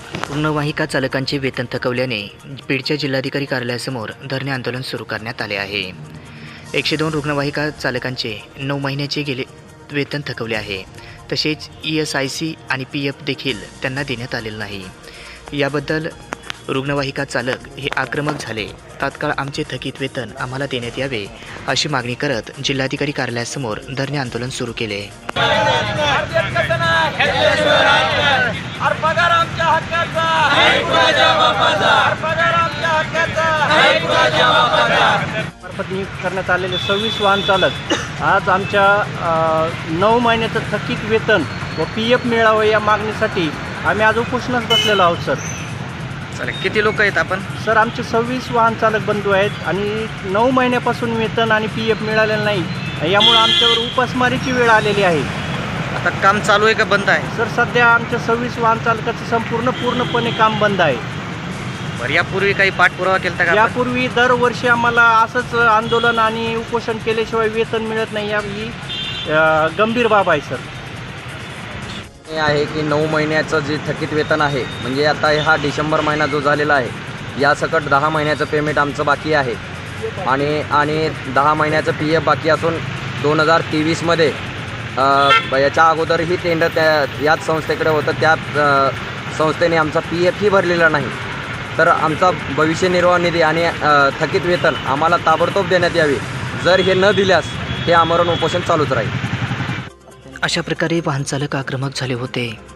रुग्णवाहिका चालकांचे वेतन थकवल्याने बीडच्या जिल्हाधिकारी कार्यालयासमोर धरणे आंदोलन सुरू करण्यात आले आहे। 102 रुग्णवाहिका चालकांचे 9 महिन्याचे गेले वेतन थकवले आहे। तसेच ESIC आणि PF देखील त्यांना देण्यात आलेलं नाही। याबद्दल रुग्णवाहिका चालक हे आक्रमक झाले। तात्काळ आमचे थकीत वेतन आम्हाला देण्यात यावे अशी मागणी करत जिल्हाधिकारी कार्यालयासमोर धरणे आंदोलन सुरू केले। मार्फत नियुक्त करण्यात आलेले 26 वाहन चालक आज आमच्या 9 महिन्याचं थकीत वेतन व PF मिळावं या मागणीसाठी आम्ही आज उपोषणास बसलेलो आहोत सर। चालेल, किती लोक आहेत आपण? सर आमचे 26 वाहन चालक बंधू आहेत आणि 9 महिन्यापासून वेतन आणि PF मिळालेलं नाही, यामुळे आमच्यावर उपासमारीची वेळ आलेली आहे। आता काम चालू आहे का बंद आहे? सर सध्या आमच्या 26 वाहन चालकाचं पूर्णपणे काम बंद आहे। बरं, यापूर्वी काही पाठपुरावा केला का? यापूर्वी दरवर्षी आम्हाला असंच आंदोलन आणि उपोषण केल्याशिवाय वेतन मिळत नाही, ही गंभीर बाब आहे सर। हे आहे की 9 महिन्याचं जे थकीत वेतन आहे, म्हणजे आता हा डिसेंबर महिना जो झालेला आहे यासकट 10 महिन्याचं पेमेंट आमचं बाकी आहे आणि 10 महिन्याचं PF बाकी असून 2023मध्ये याच्या अगोदरही टेंडर याच संस्थेकडे होतं, त्या संस्थेने आमचा PF ही भरलेला नाही। तर आमचा भविष्य निर्वाह निधी आणि थकीत वेतन आम्हाला ताबडतोब देण्यात यावे। जर हे न दिल्यास हे आमरण उपोषण चालूच राहील। अशा प्रकारे वाहन चालक आक्रमक झाले होते।